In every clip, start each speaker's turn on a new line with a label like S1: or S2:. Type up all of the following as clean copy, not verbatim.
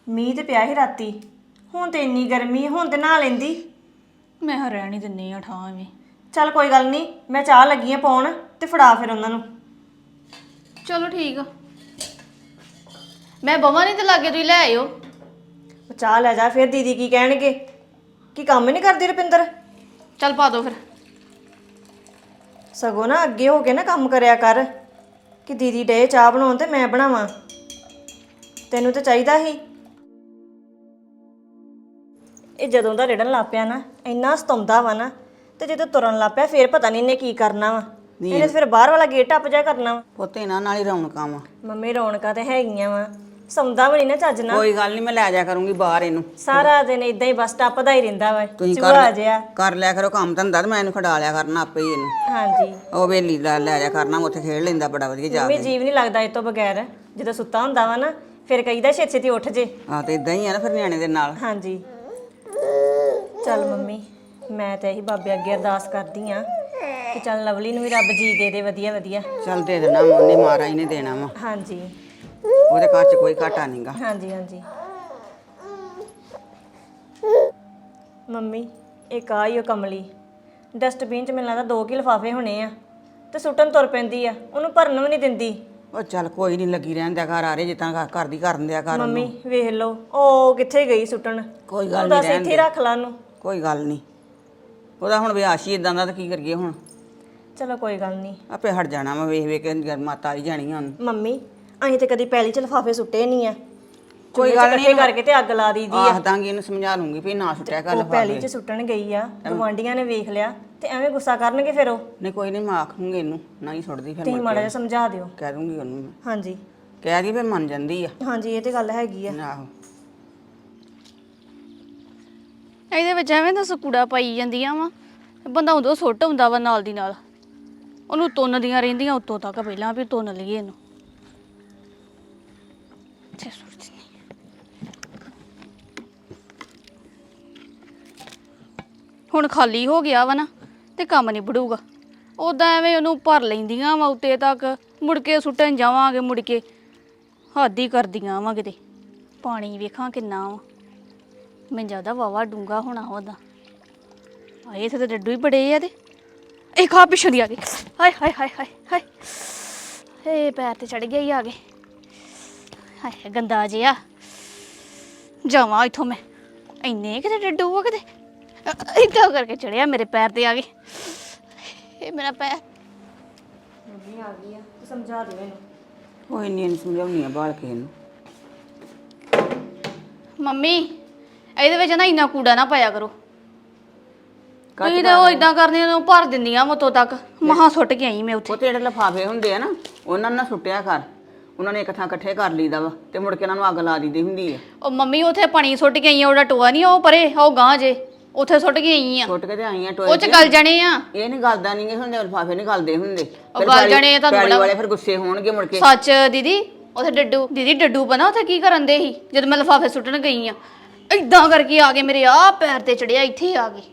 S1: ਮੀਂਹ ਤੇ ਪਿਆ ਸੀ ਰਾਤੀ। ਹੁਣ ਤੇ ਇੰਨੀ ਗਰਮੀ ਹੁਣ ਤੇ ਨਹਾ ਲੈਂਦੀ।
S2: ਮੈਂ ਹਾਂ ਰਹਿਣ ਹੀ ਦਿੰਨੀ ਆ ਠਾਂ ਐਵੇਂ।
S1: ਚੱਲ ਕੋਈ ਗੱਲ ਨਹੀਂ, ਮੈਂ ਚਾਹ ਲੱਗੀ ਆ ਪਾਉਣ ਤੇ ਫੜਾ ਫਿਰ ਉਹਨਾਂ ਨੂੰ।
S2: ਚਲੋ ਠੀਕ ਆ, ਮੈਂ ਬਵਾਂ ਨਹੀਂ ਤੇ ਲਾਗੇ ਤੁਸੀਂ ਲੈ ਆਇਓ।
S1: ਉਹ ਚਾਹ ਲੈ ਜਾ, ਫਿਰ ਦੀਦੀ ਕੀ ਕਹਿਣਗੇ ਕਿ ਕੰਮ ਨਹੀਂ ਕਰਦੀ ਰੁਪਿੰਦਰ।
S2: ਚੱਲ ਪਾ ਦੋ ਫਿਰ।
S1: ਸਗੋਂ ਨਾ ਅੱਗੇ ਹੋ ਕੇ ਨਾ ਕੰਮ ਕਰਿਆ ਕਰ ਕਿ ਦੀਦੀ ਡੇ ਚਾਹ ਬਣਾਉਣ ਤੇ ਮੈਂ ਬਣਾਵਾਂ। ਤੈਨੂੰ ਤਾਂ ਚਾਹੀਦਾ ਸੀ। ਇਹ ਜਦੋਂ ਦਾ ਰਿੜਨ ਲੱਗ ਪਿਆ ਨਾ ਇੰਨਾ ਸਤਾਉਂਦਾ ਵਾ ਨਾ, ਤੇ ਜਦੋਂ ਤੁਰਨ ਲੱਗ ਪਿਆ ਫਿਰ ਪਤਾ ਨਹੀਂ ਇਹਨੇ ਕੀ ਕਰਨਾ ਵਾ। ਇਹਨੇ ਫਿਰ ਬਾਹਰ ਵਾਲਾ ਗੇਟ ਟੱਪ ਜਾ ਕਰਨਾ ਵਾ।
S3: ਪੁੱਤ ਇਹਨਾਂ ਨਾਲ ਹੀ ਰੌਣਕਾਂ ਵਾ।
S1: ਮੰਮੀ ਰੌਣਕਾਂ ਤੇ ਹੈਗੀਆਂ ਵਾ, ਸੌਂਦਾ ਵੀ ਨਹੀਂ ਨਾ ਚੱਜ ਨਾਲ।
S3: ਕੋਈ ਗੱਲ ਨਹੀਂ, ਮੈਂ ਲੈ ਜਾ ਕਰੂੰਗੀ ਬਾਹਰ ਇਹਨੂੰ।
S1: ਸਾਰਾ ਦਿਨ ਇਦਾਂ ਹੀ ਬਸ ਟੱਪਦਾ ਹੀ ਰਹਿੰਦਾ ਵਾ,
S3: ਤੁਸੀਂ
S1: ਚੂਹਾ ਜਿਹਾ।
S3: ਕਰ ਲਿਆ ਕਰੋ ਕੰਮ ਧੰਦਾ ਤੇ ਮੈਂ ਇਹਨੂੰ ਖੜਾ ਲਿਆ ਕਰਨਾ ਆਪੇ ਹੀ ਇਹਨੂੰ।
S1: ਹਾਂਜੀ
S3: ਉਹ ਵੇਲੀ ਦਾ ਲੈ ਜਾ ਕਰਨਾ, ਉੱਥੇ ਖੇਡ ਲੈਂਦਾ ਬੜਾ ਵਧੀਆ ਜਾ
S1: ਮੰਮੀ
S3: ਕੇ।
S1: ਜੀਵ ਨਹੀਂ ਲੱਗਦਾ ਇਹ ਤੋਂ ਬਗੈਰ। ਜਦੋਂ ਸੁੱਤਾ ਹੁੰਦਾ ਵਾ ਨਾ ਫਿਰ ਕਹੀਦਾ ਛੇਤੀ ਛੇਤੀ ਉੱਠ ਜੇ।
S3: ਆਹ ਤੇ ਇਦਾਂ ਹੀ ਆ ਨਾ ਫਿਰ ਨਿਆਣੇ ਦੇ ਨਾਲ।
S1: ਹਾਂਜੀ ਚੱਲ ਮੰਮੀ, ਮੈਂ ਤਾਂ ਇਹੀ ਬਾਬੇ ਅੱਗੇ ਅਰਦਾਸ ਕਰਦੀ ਆ ਕਿ ਚੱਲ ਲਵਲੀ ਨੂੰ ਵੀ ਰੱਬ ਜੀ ਦੇ ਦੇ ਵਧੀਆ ਵਧੀਆ।
S3: ਚੱਲ ਦੇ ਦੇਣਾ ਵਾ, ਉਹਨੇ ਮਹਾਰਾਜ ਨੇ ਦੇਣਾ ਵਾ।
S1: ਹਾਂਜੀ
S3: ਉਹਦੇ ਘਰ 'ਚ ਕੋਈ ਘਾਟਾ ਨਹੀਂਗਾ।
S1: ਹਾਂਜੀ ਹਾਂਜੀ ਮੰਮੀ ਇੱਕ ਆ ਹੀ ਉਹ ਕਮਲੀ ਡਸਟਬਿਨ 'ਚ ਮੈਨੂੰ ਲੱਗਦਾ 2 ਕਿ ਲਿਫਾਫੇ ਹੋਣੇ ਆ ਤੇ ਸੁੱਟਣ ਤੁਰ ਪੈਂਦੀ ਆ, ਉਹਨੂੰ ਭਰਨ ਵੀ ਨਹੀਂ ਦਿੰਦੀ।
S3: ਉਹ ਚੱਲ ਕੋਈ ਨਹੀਂ, ਲੱਗੀ ਰਹਿਣ ਦਿਆ ਘਰ ਆ ਰਹੇ ਜਿੱਦਾਂ ਕਰਦੀ ਕਰਨ ਦਿਆ ਕਰ
S1: ਮੰਮੀ
S3: ਉਹਨੂੰ।
S1: ਵੇਖ ਲਓ ਉਹ ਕਿੱਥੇ ਗਈ ਸੁੱਟਣ।
S3: ਕੋਈ ਗੱਲ
S1: ਉਹਦਾ
S3: ਨਹੀਂ,
S1: ਇੱਥੇ ਹੀ ਰੱਖ ਲਾ ਉਹਨੂੰ।
S3: ਕੋਈ ਗੱਲ ਨਹੀਂ, ਉਹਦਾ ਹੁਣ ਵਿਆਹ ਹੀ ਇਦਾਂ ਦਾ ਤਾਂ ਕੀ ਕਰੀਏ ਹੁਣ।
S1: ਚਲੋ ਕੋਈ ਗੱਲ ਨਹੀਂ
S3: ਆਪੇ ਹਟ ਜਾਣਾ ਵਾ, ਵੇਖ ਵੇਖ ਕੇ ਮਾਤਾ ਆਈ ਜਾਣੀ ਹੁਣ।
S1: ਮੰਮੀ ਅਸੀਂ ਤੇ ਕਦੀ ਪੈਲੀ 'ਚ ਲਿਫਾਫੇ ਸੁੱਟੇ ਨਹੀਂ ਆ।
S3: ਕੋਈ ਗੱਲ ਨਹੀਂ,
S1: ਇਕੱਠੇ ਕਰਕੇ ਤੇ ਅੱਗ ਲਾ ਦਈਦੀ ਆ।
S3: ਆਖ ਦਾਂਗੀ ਇਹਨੂੰ, ਸਮਝਾ ਲੂੰਗੀ ਵੀ ਨਾ ਸੁੱਟਿਆ ਕਰ
S1: ਉਹ
S3: ਲਿਫਾਫੇ।
S1: ਪੈਲੀ 'ਚ ਸੁੱਟਣ ਗਈ ਆ, ਗਵਾਂਢੀਆਂ ਨੇ ਵੇਖ ਲਿਆ ਤੇ ਐਵੇਂ ਗੁੱਸਾ ਕਰਨਗੇ ਫਿਰ ਉਹ।
S3: ਨਹੀਂ ਕੋਈ ਨਹੀਂ, ਮੈਂ ਆਖੂੰਗੀ ਇਹਨੂੰ ਨਾ ਹੀ ਸੁੱਟਦੀ ਫਿਰ।
S1: ਤੁਸੀਂ ਮਾੜਾ ਜਿਹਾ ਸਮਝਾ ਦਿਓ।
S3: ਕਹਿ ਦੂੰਗੀ ਉਹਨੂੰ ਮੈਂ।
S1: ਹਾਂਜੀ
S3: ਕਹਿ ਦੀ ਫਿਰ ਮੰਨ ਜਾਂਦੀ ਆ।
S1: ਹਾਂਜੀ ਇਹ ਤੇ ਗੱਲ ਹੈਗੀ ਆ।
S3: ਆਹੋ
S2: ਇਹਦੇ ਵਿੱਚ ਐਵੇਂ ਤਾਂ ਸਕੂੜਾ ਪਾਈ ਜਾਂਦੀਆਂ ਵਾ, ਬੰਦਾ ਉਦੋਂ ਸੁੱਟ ਹੁੰਦਾ ਵਾ ਨਾਲ ਦੀ ਨਾਲ। ਉਹਨੂੰ ਤੁੰਨਦੀਆਂ ਰਹਿੰਦੀਆਂ ਉੱਤੋਂ ਤੱਕ, ਪਹਿਲਾਂ ਵੀ ਤੁੰਨ ਲਈਏ ਇਹਨੂੰ। ਇੱਥੇ ਸੁੱਟ ਦਿੰਦੀ। ਹੁਣ ਖਾਲੀ ਹੋ ਗਿਆ ਵਾ ਨਾ ਤੇ ਕੰਮ ਨਹੀਂ ਬੜੂਗਾ। ਉਦਾਂ ਐਵੇਂ ਉਹਨੂੰ ਭਰ ਲੈਂਦੀਆਂ ਵਾ ਉੱਤੇ ਤੱਕ, ਮੁੜ ਕੇ ਸੁੱਟਣ ਜਾਵਾਂਗੇ, ਮੁੜ ਕੇ ਹੱਦ ਹੀ ਕਰਦੀਆਂ ਵਾ ਕਿਤੇ। ਪਾਣੀ ਵੇਖਾਂ ਕਿੰਨਾ ਵਾ, ਮੈਨੂੰ ਜ਼ਿਆਦਾ ਵਾਵਾ ਡੂੰਗਾ ਹੋਣਾ ਉਹਦਾ। ਆਏ ਇੱਥੇ ਤਾਂ ਡੱਡੂ ਹੀ ਬੜੇ ਆ ਤੇ ਇਹ ਖਾ ਪਿੱਛੋਂ ਦੀ ਆ ਗਏ। ਹਾਏ ਹਾਏ ਹਾਏ ਹਾਏ ਹਾਏ, ਇਹ ਪੈਰ ਤੇ ਚੜ ਗਿਆ ਹੀ ਆ ਗਏ। ਹਾਏ ਗੰਦਾ ਜਿਹਾ, ਜਾਵਾਂ ਇੱਥੋਂ ਮੈਂ। ਇੰਨੇ ਕਿਤੇ ਡੱਡੂ ਆ ਕਿਤੇ, ਇੱਦਾਂ ਕਰਕੇ ਚੜਿਆ ਮੇਰੇ ਪੈਰ ਤੇ ਆ ਗਏ। ਇਹ ਮੇਰਾ ਪੈਰ।
S1: ਮੰਮੀ ਆ ਗਈ ਆ, ਤੂੰ ਸਮਝਾ ਦਿਓ ਇਹਨੂੰ।
S3: ਕੋਈ ਨਹੀਂ, ਇਹਨੂੰ ਸਮਝਾਉਣੀ ਆ ਬਾਲ ਕੇ ਇਹਨੂੰ।
S2: ਮੰਮੀ ਇਹਦੇ ਵਿੱਚ ਨਾ ਇੰਨਾ ਕੂੜਾ ਨਾ ਪਾਇਆ ਕਰੋ। ਤੁਸੀਂ ਤਾਂ ਉਹ ਇਦਾਂ ਕਰਦੀਆਂ ਨੂੰ ਭਰ ਦਿੰਦੀਆਂ ਮਤੋਂ ਤੱਕ। ਮਹਾਂ ਸੁੱਟ ਕੇ ਆਈ ਮੈਂ ਉੱਥੇ।
S3: ਉਹ ਤੇ ਜਿਹੜੇ ਲਿਫਾਫੇ ਹੁੰਦੇ ਆ ਨਾ, ਉਹਨਾਂ ਨੂੰ ਨਾ ਸੁੱਟਿਆ ਕਰ। ਉਹਨਾਂ ਨੇ ਇੱਕ ਥਾਂ ਇਕੱਠੇ ਕਰ ਲਈਦਾ ਵਾ ਤੇ ਮੁੜ ਕੇ ਉਹਨਾਂ ਨੂੰ ਅੱਗ ਲਾ ਦਿੱਦੀ ਹੁੰਦੀ ਆ।
S2: ਉਹ ਮੰਮੀ ਉੱਥੇ ਪਾਣੀ ਸੁੱਟ ਕੇ ਆਈ ਆ, ਉਹਦਾ ਟੋਆ ਨਹੀਂ ਉਹ ਪਰੇ, ਉਹ ਗਾਂ ਜੇ ਉੱਥੇ ਸੁੱਟ ਕੇ ਆਈ ਆ।
S3: ਸੁੱਟ ਕੇ ਤੇ ਆਈਆਂ ਟੋਏ
S2: ਉਹ ਚ ਗਲ ਜਾਣੇ ਆ।
S3: ਇਹ ਨਹੀਂ ਗਲਦਾ ਨਹੀਂ ਹੁੰਦੇ, ਲਿਫਾਫੇ ਨਹੀਂ ਗਲਦੇ ਹੁੰਦੇ।
S2: ਉਹ ਗਲ ਜਾਣੇ ਆ, ਤੁਹਾਨੂੰ
S3: ਪੈਲੀ
S2: ਬੜਾ
S3: ਵਾਲੇ ਫਿਰ ਗੁੱਸੇ ਹੋਣਗੇ ਮੁੜ ਕੇ।
S2: ਸੱਚ ਦੀਦੀ, ਉੱਥੇ ਡੱਡੂ ਦੀਦੀ ਡੱਡੂ ਬਣਾ ਉੱਥੇ ਕੀ ਕਰਨ ਦੇ ਸੀ ਜਦੋਂ ਮੈਂ ਲਿਫਾਫੇ ਸੁੱਟਣ ਗਈ ਆ। ਏਦਾਂ ਕਰਕੇ ਆ ਗਏ ਮੇਰੇ ਆ ਪੈਰ ਤੇ ਚੜਿਆ, ਇੱਥੇ ਆ ਗਏ।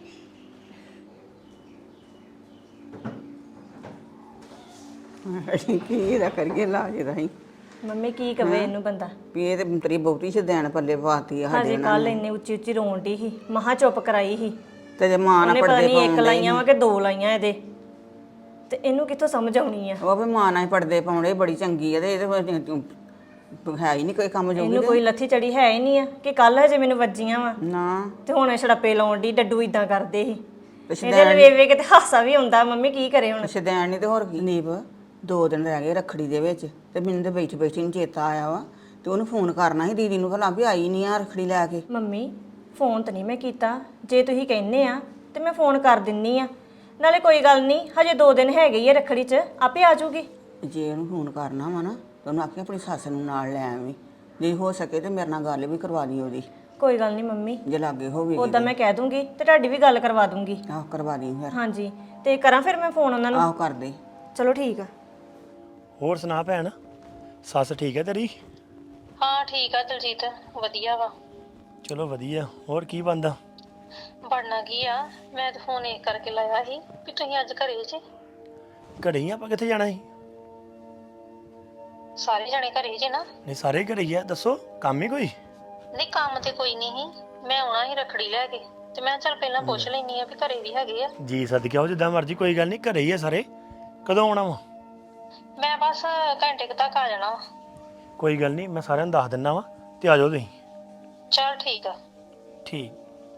S3: ਕੀ ਇਹਦਾ ਕਰੀਏ ਲਾਜ ਇਹਦਾ ਹੀ।
S1: ਮੰਮੀ ਕੀ ਕਵੇ ਇਹਨੂੰ ਬੰਦਾ।
S3: ਵੀ ਇਹ ਤੇ ਤੇਰੀ ਬਹੁਤੀ ਸ਼ਦੈਣ ਪੱਲੇ ਪਾਤੀ ਆ ਸਾਡੇ
S1: ਹਜੇ
S3: ਨਾਲ।
S1: ਕੱਲ ਇੰਨੇ ਉੱਚੀ ਉੱਚੀ ਰੋਣ ਡਈ ਸੀ, ਮਹਾ ਚੁੱਪ ਕਰਾਈ ਸੀ।
S3: ਤੇ ਜੇ ਮਾਂ ਨਾਲ
S1: ਉਹਨੇ ਪਤਾ
S3: ਪੜਦੇ
S1: ਨਹੀਂ 1
S3: ਪਾਉਂਦੇ
S1: ਲਾਈਆਂ ਵਾ ਕਿ 2 ਲਾਈਆਂ ਇਹਦੇ, ਤੇ ਇਹਨੂੰ ਕਿੱਥੋਂ ਸਮਝ ਆਉਣੀ ਆ।
S3: ਉਹ ਵੀ ਮਾਂ ਨਾਲ ਹੀ ਪੜਦੇ ਪਾਉਂਦੇ, ਬੜੀ ਚੰਗੀ ਆ ਤੇ ਇਹਦੇ ਹੈ ਹੀ ਨਹੀਂ ਕੋਈ ਕੰਮ ਜੋਗੀ।
S1: ਇਹਨੂੰ ਕੋਈ ਲੱਥੀ ਚੜੀ ਹੈ ਹੀ ਨਹੀਂ ਆ ਕਿ ਕੱਲ ਹਜੇ ਮੈਨੂੰ ਵੱਜੀਆਂ ਵਾ
S3: ਨਾ
S1: ਤੇ ਹੁਣ ਛੜੱਪੇ ਲਾਉਣ ਦੀ। ਡੱਡੂ ਇਦਾਂ ਕਰਦੇ ਸੀ,
S3: ਤੇ
S1: ਇਹਦੇ ਵੇਖ ਵੇਖ ਕੇ ਤੇ ਹਾਸਾ ਵੀ ਆਉਂਦਾ। ਮੰਮੀ ਕੀ ਕਰੇ ਹੁਣ।
S3: ਸ਼ਦੈਣ ਨਹੀਂ ਤੇ ਹੋਰ ਕੀ। ਨੀਬ 2 ਦਿਨ ਰਹਿ ਗਏ ਰੱਖੜੀ ਦੇ ਵਿੱਚ ਤੇ ਮੈਨੂੰ ਤੇ ਬੈਠੀ ਬੈਠੀ ਨੂੰ ਚੇਤਾ ਆਇਆ ਵਾ ਤੇ ਉਹਨੂੰ ਫੋਨ ਕਰਨਾ ਸੀ ਦੀਦੀ ਨੂੰ, ਭਲਾ ਵੀ ਆਈ ਨਹੀਂ ਆ ਰੱਖੜੀ ਲੈ ਕੇ।
S1: ਮੰਮੀ ਫੋਨ ਤਾਂ ਨਹੀਂ ਮੈਂ ਕੀਤਾ, ਜੇ ਤੁਸੀਂ ਕਹਿੰਦੇ ਆ ਤੇ ਮੈਂ ਫੋਨ ਕਰ ਦਿੰਨੀ ਆ। ਨਾਲੇ ਕੋਈ ਗੱਲ ਨਹੀਂ, ਹਜੇ 2 ਦਿਨ ਹੈਗੇ ਹੀ ਆ ਰੱਖੜੀ 'ਚ, ਆਪੇ ਆ ਜਾਊਗੀ।
S3: ਜੇ ਉਹਨੂੰ ਫੋਨ ਕਰਨਾ ਵਾ ਨਾ ਤਾਂ ਉਹਨੂੰ ਆਖੀ ਆਪਣੀ ਸੱਸ ਨੂੰ ਨਾਲ ਲੈ ਆਵੀਂ, ਜੇ ਹੋ ਸਕੇ ਤੇ ਮੇਰੇ ਨਾਲ ਗੱਲ ਵੀ ਕਰਵਾ ਦੀ ਉਹਦੀ।
S1: ਕੋਈ ਗੱਲ ਨਹੀਂ ਮੰਮੀ,
S3: ਜੇ ਲਾਗੇ ਹੋਵੇ
S1: ਉਦਾਂ ਮੈਂ ਕਹਿ ਦੂੰਗੀ ਤੇ ਤੁਹਾਡੀ ਵੀ ਗੱਲ ਕਰਵਾ ਦੂੰਗੀ।
S3: ਆਹ ਕਰਵਾ ਦੀ ਫਿਰ।
S1: ਹਾਂਜੀ ਤੇ ਕਰਾਂ ਫਿਰ ਮੈਂ ਫੋਨ ਉਹਨਾਂ ਨੂੰ।
S3: ਆਹੋ ਕਰ ਦੇ।
S1: ਚਲੋ ਠੀਕ ਆ।
S4: ਹੋਰ ਸੁਣਾ ਭੈਣ, ਸੱਸ ਠੀਕ ਹੈ ਤੇਰੀ?
S5: ਹਾਂ ਠੀਕ ਆ ਦਲਜੀਤ, ਵਧੀਆ ਵਾ।
S4: ਚਲੋ ਵਧੀਆ। ਹੋਰ ਕੀ ਬਣਦਾ?
S5: ਬਣਨਾ ਕੀ ਆ, ਮੈਂ ਤਾਂ ਫੋਨ ਇਹ ਕਰਕੇ ਲਾਇਆ ਸੀ ਵੀ ਤੁਸੀਂ ਅੱਜ ਘਰੇ ਜੇ।
S4: ਘਰੇ ਹੀ ਆਪਾਂ ਕਿੱਥੇ ਜਾਣਾ ਸੀ?
S5: ਸਾਰੇ ਜਣੇ ਘਰੇ ਜੇ ਨਾ?
S4: ਨਹੀਂ ਸਾਰੇ ਘਰੇ ਹੀ ਆ। ਦੱਸੋ ਕੰਮ ਹੀ ਕੋਈ?
S5: ਨਹੀਂ ਕੰਮ ਤੇ ਕੋਈ ਨਹੀਂ ਸੀ, ਮੈਂ ਆਉਣਾ ਸੀ ਰੱਖੜੀ ਲੈ ਕੇ ਤੇ ਮੈਂ ਚੱਲ ਪਹਿਲਾਂ ਪੁੱਛ ਲੈਣੀ ਆ ਵੀ ਘਰੇ ਵੀ ਹੈਗੇ ਆ।
S4: ਜੀ ਸਦਕੇ ਆਓ, ਜਿੱਦਾਂ ਮਰਜ਼ੀ, ਕੋਈ ਗੱਲ ਨਹੀਂ, ਘਰੇ ਹੀ ਆ ਸਾਰੇ। ਕਦੋਂ ਆਉਣਾ ਵਾ?
S5: ਮੈਂ ਬਸ ਘੰਟੇ ਕੁ ਤੱਕ ਆ ਜਾਣਾ ਵਾ।
S4: ਕੋਈ ਗੱਲ ਨਹੀਂ, ਮੈਂ ਸਾਰਿਆਂ ਨੂੰ ਦੱਸ ਦਿੰਦਾ ਵਾ ਤੇ ਆ ਜਾਓ ਤੁਸੀਂ।
S5: ਚੱਲ ਠੀਕ ਆ।
S4: ਠੀਕ।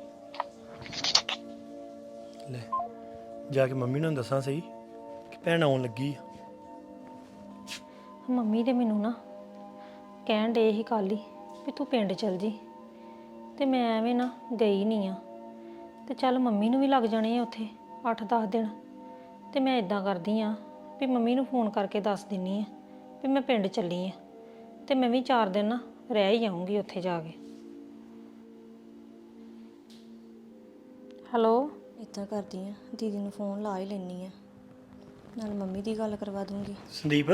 S4: ਲੈ ਜਾ ਕੇ ਮੰਮੀ ਨੂੰ ਦੱਸਾਂ ਸਹੀ ਕਿ ਭੈਣ ਆਉਣ ਲੱਗੀ ਆ।
S1: ਮੰਮੀ ਦੇ ਮੈਨੂੰ ਨਾ ਕਹਿਣ ਡੇ ਹੀ ਕੱਲ੍ਹ ਹੀ ਵੀ ਤੂੰ ਪਿੰਡ ਚਲ ਜੀ, ਤੇ ਮੈਂ ਐਵੇਂ ਨਾ ਗਈ ਨਹੀਂ ਆ। ਤੇ ਚੱਲ ਮੰਮੀ ਨੂੰ ਵੀ ਲੱਗ ਜਾਣੇ ਆ ਉੱਥੇ 8-10 ਦਿਨ, ਤੇ ਮੈਂ ਇਦਾਂ ਕਰਦੀ ਆ ਵੀ ਮੰਮੀ ਨੂੰ ਫੋਨ ਕਰਕੇ ਦੱਸ ਦਿੰਨੀ ਆ ਵੀ ਮੈਂ ਪਿੰਡ ਚੱਲੀ ਆ, ਤੇ ਮੈਂ ਵੀ 4 ਦਿਨ ਨਾ ਰਹਿ ਹੀ ਆਉਂਗੀ ਉੱਥੇ ਜਾ ਕੇ। ਹੈਲੋ,
S6: ਇੱਦਾਂ ਕਰਦੀ ਆ, ਦੀਦੀ ਨੂੰ ਫੋਨ ਲਾ ਹੀ ਲੈਣੀ ਆ, ਨਾਲ ਮੰਮੀ ਦੀ ਗੱਲ ਕਰਵਾ ਦੂੰਗੀ।
S4: ਸੰਦੀਪ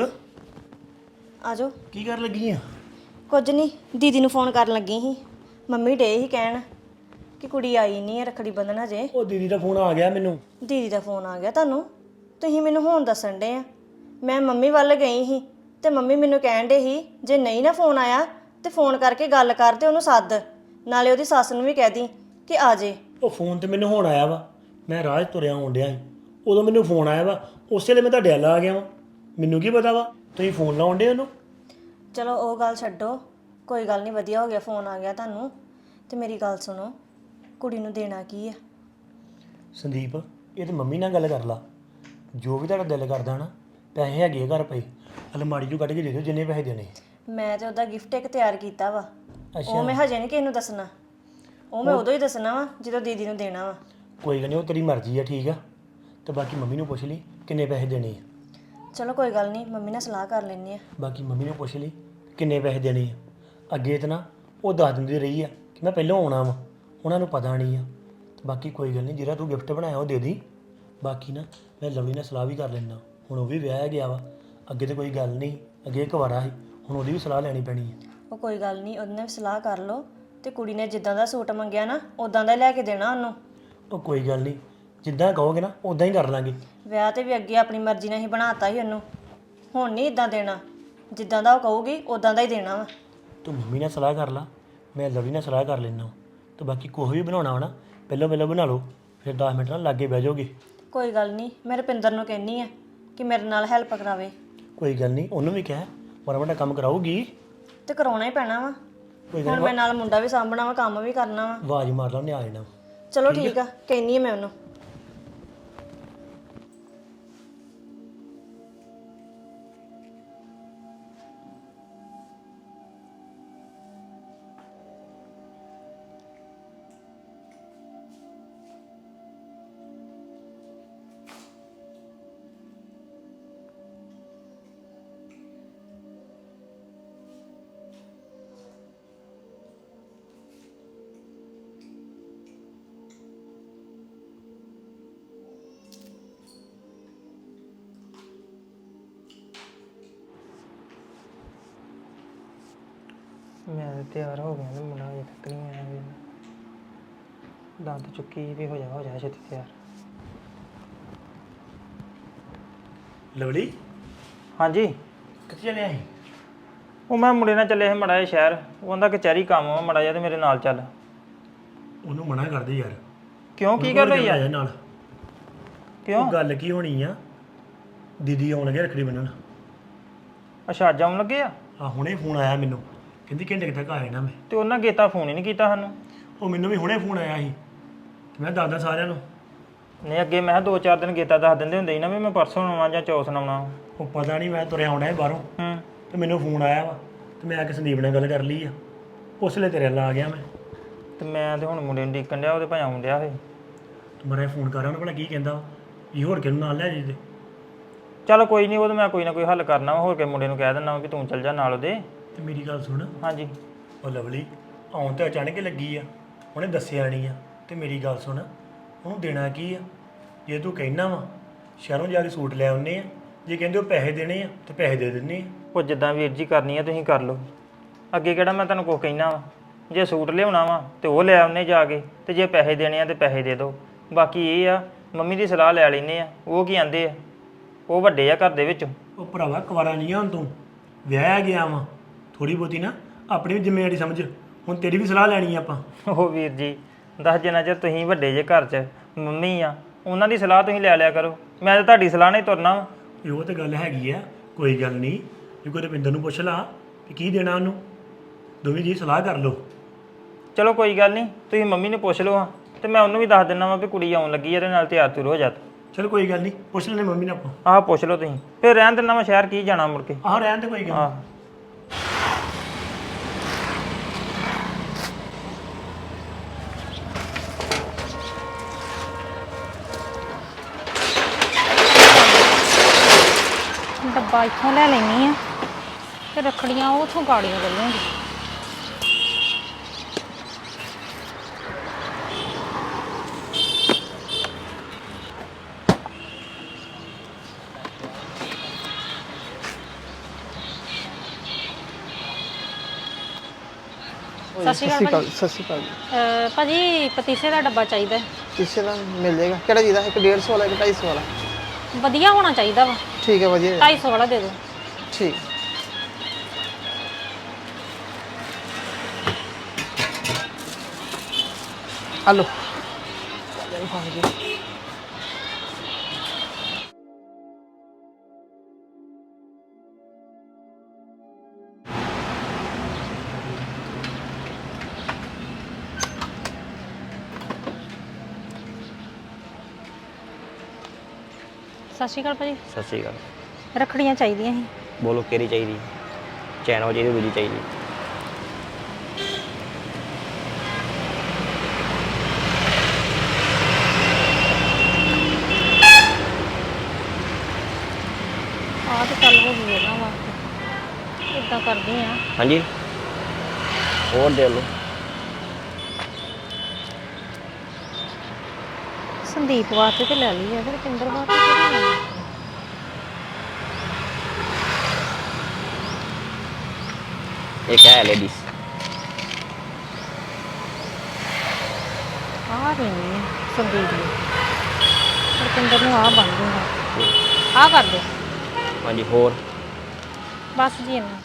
S1: ਆ ਜਾਓ।
S4: ਕੀ ਕਰਨ ਲੱਗੀ ਆ?
S1: ਕੁਝ ਨਹੀਂ, ਦੀਦੀ ਨੂੰ ਫੋਨ ਕਰਨ ਲੱਗੀ ਸੀ। ਮੰਮੀ ਡੇ ਹੀ ਕਹਿਣ ਕਿ ਕੁੜੀ ਆਈ ਨਹੀਂ ਹੈ ਰੱਖੜੀ ਬੰਨ੍ਹਣ ਹਜੇ।
S4: ਉਹ ਦੀਦੀ ਦਾ ਫੋਨ ਆ ਗਿਆ ਮੈਨੂੰ।
S1: ਦੀਦੀ ਦਾ ਫੋਨ ਆ ਗਿਆ ਤੁਹਾਨੂੰ? ਤੁਸੀਂ ਮੈਨੂੰ ਹੁਣ ਦੱਸਣ ਡੇ ਆ। ਮੈਂ ਮੰਮੀ ਵੱਲ ਗਈ ਸੀ ਤੇ ਮੰਮੀ ਮੈਨੂੰ ਕਹਿਣ ਡੇ ਸੀ ਜੇ ਨਹੀਂ ਨਾ ਫੋਨ ਆਇਆ ਤੇ ਫੋਨ ਕਰਕੇ ਗੱਲ ਕਰ ਤੇ ਉਹਨੂੰ ਸੱਦ, ਨਾਲੇ ਉਹਦੀ ਸੱਸ ਨੂੰ ਵੀ ਕਹਿ ਦੀ ਕਿ ਆ ਜੇ।
S4: ਉਹ ਫੋਨ ਤੇ ਮੈਨੂੰ ਹੁਣ ਆਇਆ ਵਾ, ਮੈਂ ਰਾਹ 'ਚ ਤੁਰਿਆ ਆਉਣ ਡਿਆ ਸੀ, ਉਦੋਂ ਮੈਨੂੰ ਫੋਨ ਆਇਆ ਵਾ, ਉਸੇ ਵੇਲੇ ਮੈਂ ਤੁਹਾਡੇ ਵੱਲ ਆ ਗਿਆ ਵਾ। ਮੈਨੂੰ ਕੀ ਪਤਾ ਵਾ ਤੁਸੀਂ ਫੋਨ ਲਾਉਣ ਡੇ ਉਹਨੂੰ।
S1: ਚਲੋ ਉਹ ਗੱਲ ਛੱਡੋ, ਕੋਈ ਗੱਲ ਨਹੀਂ, ਵਧੀਆ ਹੋ ਗਿਆ ਫੋਨ ਆ ਗਿਆ ਤੁਹਾਨੂੰ। ਤੇ ਮੇਰੀ ਗੱਲ ਸੁਣੋ, ਕੁੜੀ ਨੂੰ ਦੇਣਾ ਕੀ ਆ?
S4: ਸੰਦੀਪ ਇਹ ਤੇ ਮੰਮੀ ਨਾਲ ਗੱਲ ਕਰ ਲਾ, ਜੋ ਵੀ ਤੁਹਾਡਾ ਦਿਲ ਕਰਦਾ ਨਾ। ਪੈਸੇ ਹੈਗੇ ਆ ਘਰ ਪਏ, ਅਲਮਾਰੀ 'ਚੋਂ ਕੱਢ ਕੇ ਦੇ ਦਿਓ ਜਿੰਨੇ ਪੈਸੇ ਦੇਣੇ।
S1: ਮੈਂ ਤੇ ਉਹਦਾ ਗਿਫਟ ਇੱਕ ਤਿਆਰ ਕੀਤਾ ਵਾ,
S4: ਅੱਛਾ।
S1: ਉਹ ਮੈਂ ਹਜੇ ਨਹੀਂ ਕਿਸੇ ਨੂੰ ਦੱਸਣਾ, ਉਹ ਮੈਂ ਉਦੋਂ ਹੀ ਦੱਸਣਾ ਵਾ ਜਦੋਂ ਦੀਦੀ ਨੂੰ ਦੇਣਾ ਵਾ।
S4: ਕੋਈ ਗੱਲ ਨਹੀਂ, ਉਹ ਤੇਰੀ ਮਰਜ਼ੀ ਆ, ਠੀਕ ਆ। ਤੇ ਬਾਕੀ ਮੰਮੀ ਨੂੰ ਪੁੱਛ ਲਈ ਕਿੰਨੇ ਪੈਸੇ ਦੇਣੇ ਆ।
S1: ਚਲੋ ਕੋਈ ਗੱਲ ਨਹੀਂ, ਮੰਮੀ ਨਾਲ ਸਲਾਹ ਕਰ ਲੈਂਦੇ ਆ।
S4: ਬਾਕੀ ਮੰਮੀ ਨੂੰ ਪੁੱਛ ਲਈ ਕਿੰਨੇ ਪੈਸੇ ਦੇਣੇ ਆ। ਅੱਗੇ ਤਾਂ ਨਾ ਉਹ ਦੱਸ ਦਿੰਦੀ ਰਹੀ ਆ ਕਿ ਮੈਂ ਪਹਿਲਾਂ ਆਉਣਾ ਵਾ, ਉਹਨਾਂ ਨੂੰ ਪਤਾ ਨਹੀਂ ਆ। ਬਾਕੀ ਕੋਈ ਗੱਲ ਨਹੀਂ, ਜਿਹੜਾ ਤੂੰ ਗਿਫਟ ਬਣਾਇਆ ਉਹ ਦੇ ਦੀ। ਬਾਕੀ ਨਾ ਮੈਂ ਲਵਲੀ ਨਾਲ ਸਲਾਹ ਵੀ ਕਰ ਲੈਣਾ, ਹੁਣ ਉਹ ਵੀ ਵਿਆਹਿਆ ਗਿਆ ਵਾ। ਅੱਗੇ ਤਾਂ ਕੋਈ ਗੱਲ ਨਹੀਂ, ਅੱਗੇ ਇੱਕ ਵਾਰਾ ਸੀ, ਹੁਣ ਉਹਦੀ ਵੀ ਸਲਾਹ ਲੈਣੀ ਪੈਣੀ ਹੈ।
S1: ਉਹ ਕੋਈ ਗੱਲ ਨਹੀਂ, ਉਹਦੇ ਨਾਲ ਵੀ ਸਲਾਹ ਕਰ ਲਓ, ਤੇ ਕੁੜੀ ਨੇ ਜਿੱਦਾਂ ਦਾ ਸੂਟ ਮੰਗਿਆ ਨਾ ਉਦਾਂ ਦਾ ਹੀ ਲੈ ਕੇ ਦੇਣਾ ਉਹਨੂੰ।
S4: ਉਹ ਕੋਈ ਗੱਲ ਨਹੀਂ, ਜਿੱਦਾਂ ਕਹੋਗੇ ਨਾ ਉਦਾਂ ਹੀ ਕਰ ਲਾਂਗੇ।
S1: ਵਿਆਹ ਤੇ ਵੀ ਅੱਗੇ ਆਪਣੀ ਮਰਜ਼ੀ ਨਾਲ ਹੀ ਬਣਾਤਾ ਸੀ ਉਹਨੂੰ, ਹੁਣ ਨਹੀਂ ਇਦਾਂ ਦੇਣਾ, ਜਿੱਦਾਂ ਦਾ ਉਹ ਕਹੂਗੀ ਉਦਾਂ ਦਾ ਹੀ ਦੇਣਾ ਵਾ।
S4: ਤੂੰ ਮੰਮੀ ਨਾਲ ਸਲਾਹ ਕਰ ਲਾ, ਮੈਂ ਲਵਲੀ ਨਾਲ ਸਲਾਹ ਕਰ ਲੈਣਾ। ਤੇ ਬਾਕੀ ਕੁਛ ਵੀ ਬਣਾਉਣਾ ਵਾ ਨਾ ਪਹਿਲਾਂ ਬਣਾ ਲਓ, ਫਿਰ 10 ਮਿੰਟ ਨਾਲ ਲਾਗੇ ਬਹਿ ਜਾਓਗੇ।
S1: ਕੋਈ ਗੱਲ ਨਹੀਂ, ਮੈਂ ਰੁਪਿੰਦਰ ਨੂੰ ਕਹਿੰਨੀ ਆ ਕਿ ਮੇਰੇ ਨਾਲ ਹੈਲਪ ਕਰਾਵੇ।
S4: ਕੋਈ ਗੱਲ ਨਹੀਂ, ਉਹਨੂੰ ਵੀ ਕਹਿ ਮਾੜਾ ਮੋਟਾ ਕੰਮ ਕਰਾਊਗੀ।
S1: ਤੇ ਕਰਾਉਣਾ ਹੀ ਪੈਣਾ ਵਾ,
S4: ਕੋਈ
S1: ਹੁਣ ਮੈਂ ਨਾਲ ਮੁੰਡਾ ਵੀ ਸਾਂਭਣਾ ਵਾ, ਕੰਮ ਵੀ ਕਰਨਾ ਵਾ।
S4: ਆਵਾਜ਼ ਮਾਰ ਲਾ, ਉਹਨੇ ਆ ਜਾਣਾ।
S1: ਚਲੋ ਠੀਕ ਆ, ਕਹਿੰਨੀ ਆ ਮੈਂ ਉਹਨੂੰ।
S7: ਮੈਂ ਤਾਂ ਤਿਆਰ ਹੋ ਗਿਆ ਤੇ ਮੁੰਡਾ ਅਜੇ ਤੱਕ ਨਹੀਂ ਆਇਆ ਵੀ। ਦੰਦ ਚੁੱਕੀ ਵੀ ਹੋ ਜਾ ਛੇਤੀ ਤਿਆਰ।
S4: ਲਵਲੀ
S7: ਹਾਂਜੀ,
S4: ਕਿੱਥੇ ਚੱਲਿਆ ਸੀ?
S7: ਉਹ ਮੈਂ ਮੁੰਡੇ ਨਾਲ ਚੱਲਿਆ ਸੀ ਮਾੜਾ ਜਿਹਾ ਸ਼ਹਿਰ, ਉਹ ਕਹਿੰਦਾ ਕਚਹਿਰੀ ਕੰਮ ਆ ਮਾੜਾ ਜਿਹਾ ਤੇ ਮੇਰੇ ਨਾਲ ਚੱਲ।
S4: ਉਹਨੂੰ ਮਨਾ ਕਰਦੇ ਯਾਰ।
S7: ਕਿਉਂ, ਕੀ ਗੱਲ ਹੋਈ ਆ?
S4: ਆਇਆ ਨਾਲ।
S7: ਕਿਉਂ?
S4: ਉਹ ਗੱਲ ਕੀ ਹੋਣੀ ਆ, ਦੀਦੀ ਆਉਣ ਲੱਗੇ ਰੱਖੜੀ ਬੰਨਣ।
S7: ਅੱਛਾ, ਅੱਜ ਆਉਣ ਲੱਗੇ ਆ?
S4: ਆ ਹੁਣੇ ਫੋਨ ਆਇਆ ਮੈਨੂੰ, ਕਹਿੰਦੀ ਘੰਟੇ ਕੁ ਤੱਕ ਆ ਜਾਣਾ ਮੈਂ।
S7: ਤੇ ਉਹਨਾਂ ਗੇਤਾ ਫੋਨ ਹੀ ਨਹੀਂ ਕੀਤਾ ਸਾਨੂੰ।
S4: ਉਹ ਮੈਨੂੰ ਵੀ ਹੁਣੇ ਫੋਨ ਆਇਆ ਸੀ, ਤੇ ਮੈਂ ਦੱਸਦਾ ਸਾਰਿਆਂ ਨੂੰ।
S7: ਨਹੀਂ ਅੱਗੇ ਮੈਂ 2-4 ਦਿਨ ਗੇਤਾ ਦੱਸ ਦਿੰਦੇ ਹੁੰਦੇ ਸੀ ਨਾ ਵੀ ਮੈਂ ਪਰਸੋਂ ਆਉਣਾ ਜਾਂ ਚੌਥ ਨੂੰ ਆਉਣਾ।
S4: ਉਹ ਪਤਾ ਨਹੀਂ, ਮੈਂ ਤੁਰਿਆ ਆਉਣਾ ਬਾਹਰੋਂ ਤੇ ਮੈਨੂੰ ਫੋਨ ਆਇਆ ਵਾ, ਤੇ ਮੈਂ ਆ ਕੇ ਸੰਦੀਪ ਨਾਲ ਗੱਲ ਕਰ ਲਈ ਆ, ਉਸ ਵੇਲੇ ਤੇਰੇ ਨਾਲ ਆ ਗਿਆ ਮੈਂ।
S7: ਤੇ ਮੈਂ ਤੇ ਹੁਣ ਮੁੰਡੇ ਨੂੰ ਡੀਕਣ ਡਿਆ, ਉਹਦੇ ਭਾਈ ਆਉਣ ਡਿਆ ਸੀ।
S4: ਤੇ ਮਰੇ ਫੋਨ ਕਰ ਉਹਨੂੰ, ਭਲਾ ਕੀ ਕਹਿੰਦਾ ਵਾ, ਇਹ ਹੋਰ ਕਿਹਨੂੰ ਨਾਲ ਲੈ ਜੀ ਤੇ।
S7: ਚਲ ਕੋਈ ਨਹੀਂ, ਉਹ ਤਾਂ ਮੈਂ ਕੋਈ ਨਾ ਕੋਈ ਹੱਲ ਕਰਨਾ, ਹੋਰ ਕੇ ਮੁੰਡੇ ਨੂੰ ਕਹਿ ਦਿੰਦਾ ਕਿ ਤੂੰ ਚੱਲ ਜਾ ਨਾਲ ਉਹਦੇ।
S4: ਤੇ ਮੇਰੀ ਗੱਲ ਸੁਣ,
S7: ਹਾਂਜੀ।
S4: ਉਹ ਲਵਲੀ ਆਉਣ ਤਾਂ ਅਚਾਨਕ ਹੀ ਲੱਗੀ ਆ, ਉਹਨੇ ਦੱਸਿਆ ਨਹੀਂ ਆ। ਤੇ ਮੇਰੀ ਗੱਲ ਸੁਣ, ਉਹਨੂੰ ਦੇਣਾ ਕੀ ਆ? ਜੇ ਤੂੰ ਕਹਿਣਾ ਵਾ ਸ਼ਹਿਰੋਂ ਜਾ ਕੇ ਸੂਟ ਲੈ ਆਉਨੇ ਆ, ਜੇ ਕਹਿੰਦੇ ਉਹ ਪੈਸੇ ਦੇਣੇ ਆ ਤੇ ਪੈਸੇ ਦੇ ਦਿੰਨੇ ਆ।
S7: ਉਹ ਜਿੱਦਾਂ ਵੀਰ ਜੀ ਕਰਨੀ ਆ ਤੁਸੀਂ ਕਰ ਲਓ, ਅੱਗੇ ਕਿਹੜਾ ਮੈਂ ਤੁਹਾਨੂੰ ਕੁਛ ਕਹਿਣਾ ਵਾ। ਜੇ ਸੂਟ ਲਿਆਉਣਾ ਵਾ ਤੇ ਉਹ ਲੈ ਆਉਨੇ ਜਾ ਕੇ, ਤੇ ਜੇ ਪੈਸੇ ਦੇਣੇ ਆ ਤੇ ਪੈਸੇ ਦੇ ਦਿਓ। ਬਾਕੀ ਇਹ ਆ ਮੰਮੀ ਦੀ ਸਲਾਹ ਲੈ ਲੈਂਦੇ ਆ, ਉਹ ਕੀ ਆਂਦੇ ਆ, ਉਹ ਵੱਡੇ ਆ ਘਰ ਦੇ ਵਿੱਚ।
S4: ਉਹ ਭਰਾਵਾ ਕੁਵਾਰਾ ਨਹੀਂ ਆ ਹੁਣ ਤੂੰ, ਵਿਆਹਿਆ ਗਿਆ ਵਾ, ਥੋੜੀ ਬਹੁਤੀ ਨਾ ਆਪਣੀ ਵੀ ਜ਼ਿੰਮੇਵਾਰੀ ਸਮਝ। ਹੁਣ ਤੇਰੀ ਵੀ ਸਲਾਹ ਲੈਣੀ ਆ ਆਪਾਂ।
S7: ਉਹ ਵੀਰ ਜੀ ਦੱਸ ਜਿੰਨਾ ਚਿਰ ਤੁਸੀਂ ਵੱਡੇ ਜੇ ਘਰ 'ਚ ਮੰਮੀ ਆ ਉਹਨਾਂ ਦੀ ਸਲਾਹ ਤੁਸੀਂ ਲੈ ਲਿਆ ਕਰੋ। ਮੈਂ ਤਾਂ ਤੁਹਾਡੀ ਸਲਾਹ ਨਾਲ ਹੀ ਤੁਰਨਾ ਵਾ।
S4: ਇਹ ਉਹ ਤੇ ਗੱਲ ਹੈਗੀ ਆ, ਕੋਈ ਗੱਲ ਨਹੀਂ। ਜੇ ਕੋਈ ਰੁਪਿੰਦਰ ਨੂੰ ਪੁੱਛ ਲਾ ਕਿ ਕੀ ਦੇਣਾ ਉਹਨੂੰ, ਦੋਵੇਂ ਜੀ ਸਲਾਹ ਕਰ ਲਓ।
S7: ਚਲੋ ਕੋਈ ਗੱਲ ਨਹੀਂ, ਤੁਸੀਂ ਮੰਮੀ ਨੂੰ ਪੁੱਛ ਲਓ ਹਾਂ ਤੇ ਮੈਂ ਉਹਨੂੰ ਵੀ ਦੱਸ ਦਿੰਦਾ ਵਾਂ ਵੀ ਕੁੜੀ ਆਉਣ ਲੱਗੀ ਇਹਦੇ ਨਾਲ ਤਿਆਰ ਤੁਰ ਹੋ ਜਾ।
S4: ਚਲ ਕੋਈ ਗੱਲ ਨਹੀਂ, ਪੁੱਛ ਲੈਣੇ ਮੰਮੀ ਨੇ ਆਪਾਂ।
S7: ਆਹ ਪੁੱਛ ਲਓ ਤੁਸੀਂ, ਫਿਰ ਰਹਿਣ ਦਿੰਦਾ ਮੈਂ ਸ਼ਹਿਰ ਕੀ ਜਾਣਾ ਮੁੜ ਕੇ।
S4: ਆਹ ਰਹਿਣ ਤੇ ਕੋਈ ਗੱਲ ਨੀ।
S7: ਆਹ
S1: ਡੱਬਾ ਇੱਥੋਂ ਲੈ ਲੈਣੀ ਆ ਤੇ ਰੱਖੜੀਆਂ ਉਥੋਂ ਗਾੜੀਆਂ ਲੈ ਲਵਾਂਗੀ। ਸਤਿ ਸ਼੍ਰੀ ਅਕਾਲ
S8: ਸਤਿ ਸ਼੍ਰੀ ਅਕਾਲ ਜੀ।
S1: ਭਾਜੀ ਪਤੀਸੇ ਦਾ ਡੱਬਾ ਚਾਹੀਦਾ ਹੈ।
S8: ਕਿਸੇ ਦਾ ਮਿਲ ਜਾਏਗਾ? ਕਿਹੜਾ ਚਾਹੀਦਾ? ਇੱਕ 150 ਵਾਲਾ, ਇੱਕ 250 ਵਾਲਾ?
S1: ਵਧੀਆ ਹੋਣਾ ਚਾਹੀਦਾ ਵਾ।
S8: ਠੀਕ ਹੈ, ਵਧੀਆ।
S1: 250 ਵਾਲਾ ਦੇ ਦਿਓ।
S8: ਠੀਕ। ਹਲੋ।
S1: ਸਤਿ ਸ਼੍ਰੀ ਅਕਾਲ ਭਾਜੀ।
S9: ਸਤਿ ਸ਼੍ਰੀ ਅਕਾਲ।
S1: ਰੱਖੜੀਆਂ ਚਾਹੀਦੀਆਂ ਸੀ।
S9: ਬੋਲੋ ਕਿਹੜੀ ਚਾਹੀਦੀ? ਚੈਨ ਚਾਹੀਦੀ, ਦੂਜੀ ਚਾਹੀਦੀ?
S1: ਆਹ ਤੇ ਚੱਲ ਹੋ ਗਈ ਇਹਨਾਂ ਵਾਸਤੇ। ਇਦਾਂ ਕਰਦੀ ਆ।
S9: ਹਾਂਜੀ, ਹੋਰ ਦੇ ਲਓ।
S1: ਸੰਦੀਪ ਵਾਸਤੇ ਤੇ ਲੈ ਲਈ ਆ, ਫਿਰ ਰੁਪਿੰਦਰ ਵਾਸਤੇ ਕਿਹੜੀ ਲੈਣੀ?
S9: ਇੱਕ ਹੈ ਲੇਡੀਜ਼।
S1: ਆਹ ਲੈਣੀ ਆ ਸੰਦੀਪ ਨੂੰ। ਰੁਪਿੰਦਰ ਨੂੰ ਆਹ ਬਣ ਜੂਗਾ। ਆਹ ਕਰ ਦੇ।
S9: ਹਾਂਜੀ, ਹੋਰ?
S1: ਬਸ ਜੀ ਇੰਨਾ।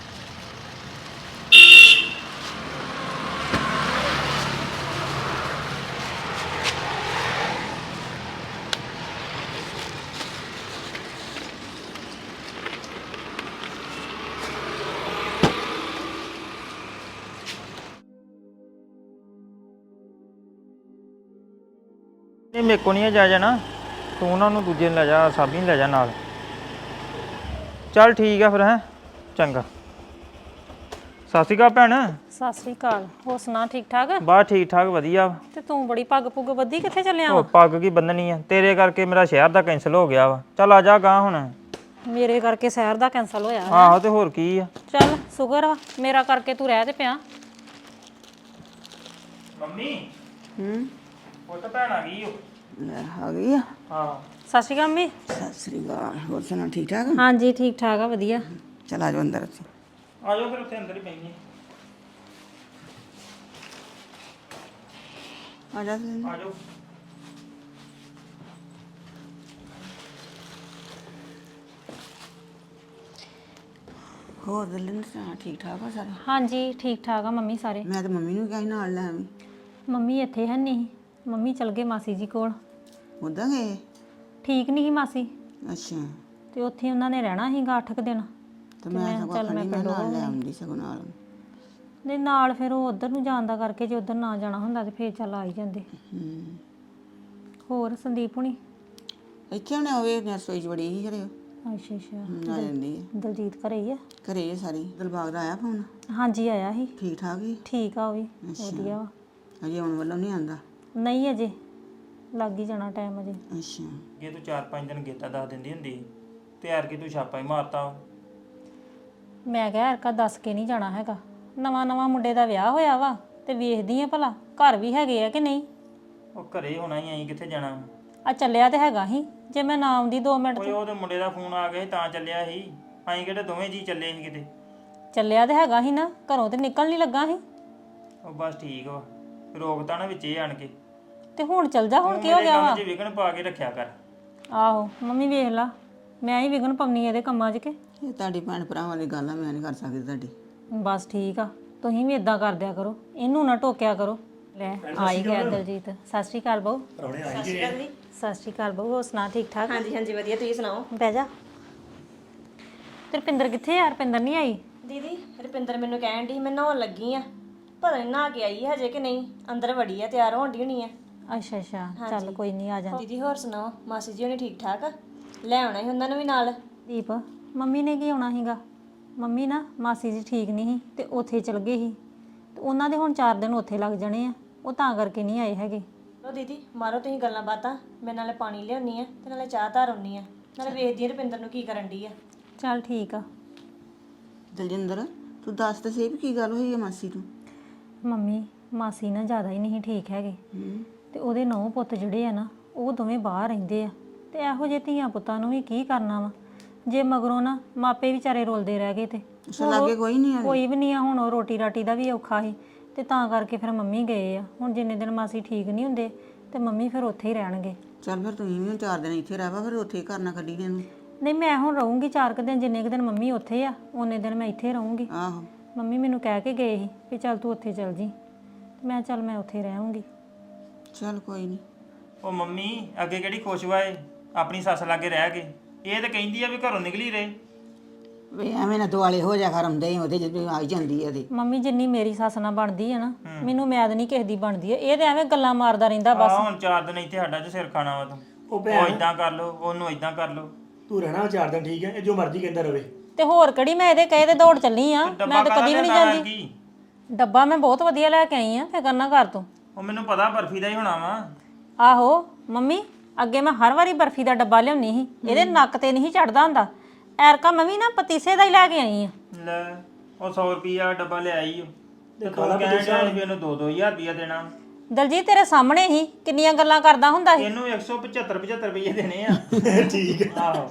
S7: ਨਹੀਂ ਮੇਰੇ ਕੋ ਨਹੀਂ ਜਾ ਜਾਣਾ, ਤੂੰ ਉਹਨਾਂ ਨੂੰ ਦੂਜੇ ਨੂੰ ਲੈ ਜਾ, ਸਾਬੀ ਨੂੰ ਲੈ ਜਾ ਨਾਲ। ਚੱਲ ਠੀਕ ਆ ਫਿਰ, ਹੈਂ ਚੰਗਾ। ਸਤਿ ਸ਼੍ਰੀ ਅਕਾਲ ਭੈਣ।
S1: ਸਤਿ ਸ਼੍ਰੀ ਅਕਾਲ। ਹੋਰ ਸੁਣਾ, ਠੀਕ ਠਾਕ?
S7: ਬਸ ਠੀਕ ਠਾਕ ਵਧੀਆ ਵਾ।
S1: ਤੇ ਤੂੰ ਬੜੀ ਪੱਗ ਪੁੱਗ ਬੱਧੀ, ਕਿੱਥੇ ਚੱਲਿਆ
S7: ਉਹ
S1: ਵਾ?
S7: ਪੱਗ ਕੀ ਬੰਨਣੀ ਆ, ਤੇਰੇ ਕਰਕੇ ਮੇਰਾ ਸ਼ਹਿਰ ਦਾ ਕੈਂਸਲ ਹੋ ਗਿਆ ਵਾ। ਚੱਲ ਆ ਜਾ ਗਾਂ ਹੁਣ।
S1: ਮੇਰੇ ਕਰਕੇ ਸ਼ਹਿਰ ਦਾ ਕੈਂਸਲ ਹੋਇਆ।
S7: ਆਹੋ ਤੇ ਹੋਰ ਕੀ ਆ।
S1: ਚੱਲ ਸ਼ੁਕਰ ਵਾ, ਮੇਰਾ ਕਰਕੇ ਤੂੰ ਰਹਿ ਤੇ ਪਿਆ।
S7: ਮੰਮੀ ਉਹ ਤਾਂ ਭੈਣ ਆ ਗਈ ਓ।
S3: ਲੈ ਆ ਗਈ ਆ।
S7: ਹਾਂ
S1: ਸਤਿ ਸ਼੍ਰੀ ਅਕਾਲ ਮੰਮੀ।
S3: ਸਤਿ ਸ੍ਰੀ ਅਕਾਲ। ਹੋਰ ਸੁਣਾ, ਠੀਕ ਠਾਕ?
S1: ਹਾਂਜੀ ਠੀਕ ਠਾਕ ਆ, ਵਧੀਆ।
S3: ਚਲ ਆ ਜਾਓ ਅੰਦਰ ਅਸੀਂ।
S7: ਆ ਜਾਓ ਫਿਰ, ਉੱਥੇ ਅੰਦਰ ਹੀ ਪਈਏ।
S3: ਆ ਜਾ ਤੁਸੀਂ।
S7: ਆ ਜਾਓ।
S3: ਹੋਰ ਦਿਲਨ ਸੁਣਾ, ਠੀਕ ਠਾਕ ਆ ਸਾਰੇ?
S1: ਹਾਂਜੀ ਠੀਕ ਠਾਕ ਆ ਮੰਮੀ ਸਾਰੇ।
S3: ਮੈਂ ਤਾਂ ਮੰਮੀ ਨੂੰ ਕਿਹਾ ਸੀ ਨਾਲ ਲੈ ਆਵੀਂ।
S1: ਮੰਮੀ ਇੱਥੇ ਹੈ ਨਹੀਂ। ਮੰਮੀ ਚਲ ਗਏ ਮਾਸੀ ਜੀ ਕੋਲ।
S3: ਉੱਦਾਂ ਗਏ?
S1: ਠੀਕ ਨਹੀਂ ਸੀ ਮਾਸੀ,
S3: ਅੱਛਾ।
S1: ਤੇ ਉੱਥੇ ਉਹਨਾਂ ਨੇ ਰਹਿਣਾ ਸੀਗਾ 8 ਕੁ ਦਿਨ।
S3: ਤੇ ਮੈਂ ਸਗੋਂ
S1: ਚੱਲ
S3: ਆਖਣੀ
S1: ਮੈਂ
S3: ਮੈਂ
S1: ਪਿੰਡੋਂ
S3: ਨਾਲ ਲੈ
S1: ਆਉਂਦੀ।
S3: ਆਉਂਦੀ ਸਗੋਂ ਨਾਲ।
S1: ਦੇ ਨਾਲ ਫਿਰ ਉਹ ਉਧਰ ਨੂੰ ਜਾਣ ਦਾ ਕਰਕੇ, ਜੇ ਉਧਰ ਨਾ ਜਾਣਾ ਹੁੰਦਾ ਤੇ ਫੇਰ ਚੱਲ ਆ ਹੀ ਜਾਂਦੇ। ਹੋਰ ਸੰਦੀਪ ਹੁਣੀ?
S3: ਇੱਥੇ ਹੁਣੇ ਹੋਵੇ, ਰਸੋਈ 'ਚ ਬੜੀ ਸੀ ਘਰੇ।
S1: ਅੱਛਾ ਅੱਛਾ।
S3: ਆ ਜਾਂਦੀ ਹੈ।
S1: ਦਲਜੀਤ ਘਰੇ ਹੀ ਆ?
S3: ਘਰੇ ਹੀ ਆ ਸਾਰੀ। ਦਿਲਬਾਗ ਦਾ ਆਇਆ ਫੋਨ?
S1: ਹਾਂਜੀ ਆਇਆ ਸੀ।
S3: ਠੀਕ ਠਾਕ ਹੀ?
S1: ਠੀਕ ਆ ਉਹ ਵੀ ਵਧੀਆ ਵਾ।
S3: ਅਜੇ ਆਉਣ ਵੱਲੋਂ ਨਹੀਂ ਆਂਦਾ?
S1: ਨਹੀਂ ਅਜੇ, ਲੱਗ ਹੀ ਜਾਣਾ ਟਾਈਮ ਅਜੇ।
S3: ਅੱਛਾ।
S7: ਜੇ ਤੂੰ 4-5 ਦਿਨ ਗੇਤਾ ਦੱਸ ਦਿੰਦੀ ਹੁੰਦੀ ਤੇ ਯਾਰ ਕਿ ਤੂੰ ਛਾਪਾ ਹੀ ਮਾਰਤਾ।
S1: ਮੈਂ ਕਿਹਾ ਹਰਕਾ ਦੱਸ ਕੇ ਨਹੀਂ ਜਾਣਾ ਹੈਗਾ। ਨਵਾਂ ਨਵਾਂ ਮੁੰਡੇ ਦਾ ਵਿਆਹ ਹੋਇਆ ਵਾ ਤੇ ਵੇਖਦੀ ਆ ਭਲਾ ਘਰ ਵੀ ਹੈਗੇ ਆ ਕਿ ਨਹੀਂ।
S7: ਉਹ ਘਰੇ ਹੋਣਾ ਹੀ, ਅਸੀਂ ਕਿੱਥੇ ਜਾਣਾ।
S1: ਆ ਚੱਲਿਆ ਤੇ ਹੈਗਾ ਸੀ, ਜੇ ਮੈਂ ਨਾ ਆਉਂਦੀ 2 ਮਿੰਟ
S7: ਓਏ ਉਹਦੇ ਮੁੰਡੇ ਦਾ ਫੋਨ ਆ ਗਿਆ ਸੀ ਤਾਂ ਚੱਲਿਆ ਸੀ। ਅਸੀਂ ਕਿਹੜੇ ਦੋਵੇਂ ਜੀ ਚੱਲੇ ਸੀ ਕਿਤੇ।
S1: ਚੱਲਿਆ ਤੇ ਹੈਗਾ ਸੀ ਨਾ, ਘਰੋਂ ਤੇ ਨਿਕਲ ਨਹੀਂ ਲੱਗਾ ਸੀ।
S7: ਉਹ ਬਸ ਠੀਕ ਵਾ, ਰੋਕਤਾ ਨਾ ਵਿੱਚ ਇਹ ਆਣ ਕੇ।
S1: ਤੇ ਹੁਣ ਚੱਲ ਜਾ, ਹੁਣ
S7: ਤੂੰ
S1: ਕੀ ਹੋ
S7: ਮੇਰੇ
S1: ਗਿਆ
S7: ਕੰਮ
S1: ਵਾ?
S7: 'ਚ ਵਿਘਨ ਪਾ ਕੇ ਰੱਖਿਆ ਕਰ।
S1: ਆਹੋ ਮੰਮੀ ਵੇਖ ਲਾ, ਮੈਂ ਹੀ ਵਿਗਨ ਪਾਉਣੀ ਇਹਦੇ ਕੰਮਾਂ 'ਚ ਕੇ।
S3: ਇਹ ਤੁਹਾਡੀ ਭੈਣ ਭਰਾਵਾਂ ਦੀ ਗੱਲ ਆ, ਮੈਂ ਨਹੀਂ ਕਰ ਸਕਦੀ ਤੁਹਾਡੀ।
S1: ਬਸ ਠੀਕ ਆ, ਤੁਸੀਂ ਵੀ ਇਦਾਂ ਕਰ ਦਿਆ ਕਰੋ, ਇਹਨੂੰ ਨਾ ਟੋਕਿਆ ਕਰੋ। ਲੈ ਆਈ ਗਿਆ ਦਲਜੀਤ। ਸਤਿ ਸ਼੍ਰੀ ਅਕਾਲ ਬਹੂ।
S4: ਪਰੌਣੇ ਆ ਹੀ ਗਏ।
S1: ਸਤਿ ਸ਼੍ਰੀ ਅਕਾਲ ਬਹੂ, ਹੋਰ ਸੁਣਾ ਠੀਕ ਠਾਕ?
S6: ਹਾਂਜੀ ਹਾਂਜੀ ਵਧੀਆ, ਤੁਸੀਂ ਸੁਣਾਓ?
S1: ਬਹਿ ਜਾ। ਤੇ ਰੁਪਿੰਦਰ ਕਿੱਥੇ ਆ? ਰੁਪਿੰਦਰ ਨਹੀਂ ਆਈ?
S6: ਦੀਦੀ ਰੁਪਿੰਦਰ ਮੈਨੂੰ ਕਹਿਣ ਦੀ ਮੈਂ ਨਹਾਉਣ ਲੱਗੀ ਆ, ਪਤਾ ਨਹੀਂ ਨਹਾ ਕੇ ਆਈ ਹਜੇ ਕਿ ਨਹੀਂ, ਅੰਦਰ ਵੜੀ ਆ, ਤਿਆਰ ਹੋਣ ਦੀ ਹੋਣੀ ਆ।
S1: ਅੱਛਾ ਅੱਛਾ, ਚੱਲ ਕੋਈ ਨਹੀਂ, ਆ ਜਾ।
S6: ਦੀਦੀ ਹੋਰ ਸੁਣਾਓ, ਮਾਸੀ ਜੀ ਹੋਣੀ ਠੀਕ ਠਾਕ ਆ? ਲੈ ਆਉਣਾ ਸੀ ਉਹਨਾਂ ਨੂੰ ਵੀ ਨਾਲ।
S1: ਦੀਪ, ਮੰਮੀ ਨੇ ਕੀ ਆਉਣਾ ਸੀਗਾ? ਮੰਮੀ ਨਾ ਮਾਸੀ ਜੀ ਠੀਕ ਨਹੀਂ ਸੀ ਤੇ ਉੱਥੇ ਚਲ ਗਏ ਸੀ, ਤੇ ਉਹਨਾਂ ਦੇ ਹੁਣ 4 ਦਿਨ ਉੱਥੇ ਲੱਗ ਜਾਣੇ ਆ, ਉਹ ਤਾਂ ਕਰਕੇ ਨਹੀਂ ਆਏ ਹੈਗੇ।
S6: ਲੋ ਦੀਦੀ ਮਾਰੋ ਤੁਸੀਂ ਗੱਲਾਂ ਬਾਤਾਂ, ਮੈਂ ਨਾਲੇ ਪਾਣੀ ਲਿਆਉਣੀ ਆ ਤੇ ਨਾਲੇ ਚਾਹ ਧਰ ਆਉਣੀ ਆ, ਨਾਲੇ ਵੇਖਦੀ ਆ ਰੁਪਿੰਦਰ ਨੂੰ ਕੀ ਕਰਨ ਦੀ ਆ।
S1: ਚੱਲ ਠੀਕ ਆ।
S3: ਦਲਜਿੰਦਰ ਤੂੰ ਦੱਸ ਤੇ ਸਹੀ ਵੀ ਕੀ ਗੱਲ ਹੋਈ ਹੈ ਮਾਸੀ ਨੂੰ?
S1: ਮੰਮੀ ਮਾਸੀ ਨਾ ਜ਼ਿਆਦਾ ਹੀ ਨਹੀਂ ਠੀਕ ਹੈਗੇ, ਤੇ ਉਹਦੇ 9 ਪੁੱਤ ਜਿਹੜੇ ਆ ਨਾ ਉਹ ਦੋਵੇਂ ਬਾਹਰ ਰਹਿੰਦੇ ਆ, ਤੇ ਇਹੋ ਜਿਹੇ ਧੀਆਂ ਪੁੱਤਾਂ ਨੂੰ ਵੀ ਕੀ ਕਰਨਾ ਵਾ, ਜੇ ਮਗਰੋਂ ਨਾ ਮਾਪੇ ਵਿਚਾਰੇ ਰੋਲਦੇ ਰਹਿ ਗਏ। ਤੇ
S3: ਲਾਗੇ ਕੋਈ ਨਹੀਂ ਆ?
S1: ਕੋਈ ਵੀ ਨਹੀਂ ਆ, ਹੁਣ ਉਹ ਰੋਟੀ ਰਾਟੀ ਦਾ ਵੀ ਔਖਾ ਸੀ, ਤੇ ਤਾਂ ਕਰਕੇ ਫਿਰ ਮੰਮੀ ਗਏ ਆ। ਹੁਣ ਜਿੰਨੇ ਦਿਨ ਮਾਸੀ ਠੀਕ ਨਹੀਂ ਹੁੰਦੇ ਤੇ ਮੰਮੀ ਫਿਰ ਉੱਥੇ ਹੀ ਰਹਿਣਗੇ।
S3: ਚੱਲ ਫਿਰ ਤੁਸੀਂ ਵੀ 4 ਦਿਨ ਇੱਥੇ ਰਹਿ ਵਾ, ਫਿਰ ਉੱਥੇ ਘਰ ਨਾ ਕੱਢੀ ਇਹਨੂੰ।
S1: ਨਹੀਂ ਮੈਂ ਹੁਣ ਰਹੂੰਗੀ 4 ਕੁ ਦਿਨ, ਜਿੰਨੇ ਕੁ ਦਿਨ ਮੰਮੀ ਉੱਥੇ ਆ ਉਹਨੇ ਦਿਨ ਮੈਂ ਇੱਥੇ ਰਹੂੰਗੀ।
S3: ਆਹੋ
S1: ਮੰਮੀ ਮੈਨੂੰ ਕਹਿ ਕੇ ਗਏ ਸੀ ਵੀ ਚੱਲ ਤੂੰ ਉੱਥੇ ਚੱਲ ਜੀ, ਮੈਂ ਚੱਲ ਮੈਂ ਉੱਥੇ ਰਹਾਂਗੀ।
S3: ਚੱਲ ਕੋਈ ਨਹੀਂ।
S7: ਉਹ ਮੰਮੀ ਅੱਗੇ ਕਿਹੜੀ ਖੁਸ਼ ਵਾਏ ਆਪਣੀ ਸੱਸ ਲਾਗੇ ਰਹਿ ਕੇ, ਇਹ ਤਾਂ ਕਹਿੰਦੀ ਆ ਵੀ ਘਰੋਂ ਨਿਕਲੀ ਰਹੇ।
S3: ਵੇ ਐਵੇਂ ਨਾ ਦੁਆਲੇ ਹੋ ਜਾ ਕਰਮਦੇ ਉਹਦੇ ਜਦੋਂ ਆਈ ਜਾਂਦੀ ਹੈ ਉਹਦੇ।
S1: ਮੰਮੀ ਜਿੰਨੀ ਮੇਰੀ ਸੱਸ ਨਾਲ ਬਣਦੀ ਹੈ ਨਾ, ਮੈਨੂੰ ਮੈਦ ਨਹੀਂ ਕਿਸੇ ਦੀ ਬਣਦੀ ਹੈ। ਇਹ ਤੇ ਐਵੇਂ ਗੱਲਾਂ ਮਾਰਦਾ ਰਹਿੰਦਾ ਬਸ।
S7: ਹੁਣ 4 ਦਿਨ ਇੱਥੇ ਸਾਡਾ ਚ ਸਿਰ ਖਾਣਾ ਵਾ ਤੂੰ, ਉਹ ਇਦਾਂ ਕਰ ਲੋ, ਉਹਨੂੰ ਇਦਾਂ ਕਰ ਲੋ।
S4: ਤੂੰ ਰਹਿਣਾ 4 ਦਿਨ, ਠੀਕ ਹੈ, ਇਹ ਜੋ ਮਰਜ਼ੀ ਕਹਿੰਦਾ ਰਵੇ।
S1: ਤੇ ਹੋਰ ਕਿਹੜੀ ਮੈਂ ਇਹਦੇ ਕਹੇ ਤੇ ਦੌੜ ਚੱਲੀ ਆ, ਮੈਂ ਤਾਂ ਕਦੀ ਵੀ ਨਹੀਂ ਜਾਂਦੀ। ਡੱਬਾ ਮੈਂ ਬਹੁਤ ਵਧੀਆ ਲੈ ਕੇ ਆਈ ਆ, ਫਿਕਰ ਨਾ ਕਰ ਤੂੰ।
S7: ਉਹ ਮੈਨੂੰ ਪਤਾ ਬਰਫੀ ਦਾ ਹੀ ਹੋਣਾ ਵਾ।
S1: ਆਹੋ ਮੰਮੀ, ਅੱਗੇ ਮੈਂ ਹਰ ਵਾਰੀ ਬਰਫੀ ਦਾ ਡੱਬਾ ਲਿਆਉਣੀ ਸੀ, ਇਹਦੇ ਨੱਕ ਤੇ ਨਹੀਂ ਚੜਦਾ ਹੁੰਦਾ। ਐਰਕਾ ਮੈਂ ਵੀ ਨਾ ਪਤੀਸੇ ਦਾ ਹੀ ਲੈ ਕੇ ਆਈ ਆ।
S7: ਲੈ ਉਹ 100 ਰੁਪਿਆ ਡੱਬਾ ਲਿਆਈ, ਤੇ ਤੂੰ ਕਹਿੰਦਾ ਵੀ ਇਹਨੂੰ 2-2000 ਰੁਪਿਆ ਦੇਣਾ।
S1: ਦਲਜੀਤ ਤੇਰੇ ਸਾਹਮਣੇ ਹੀ ਕਿੰਨੀਆਂ ਗੱਲਾਂ ਕਰਦਾ ਹੁੰਦਾ ਸੀ।
S7: ਇਹਨੂੰ 175 ਰੁਪਏ ਦੇਣੇ ਆ।
S4: ਠੀਕ ਹੈ।
S7: ਆਹੋ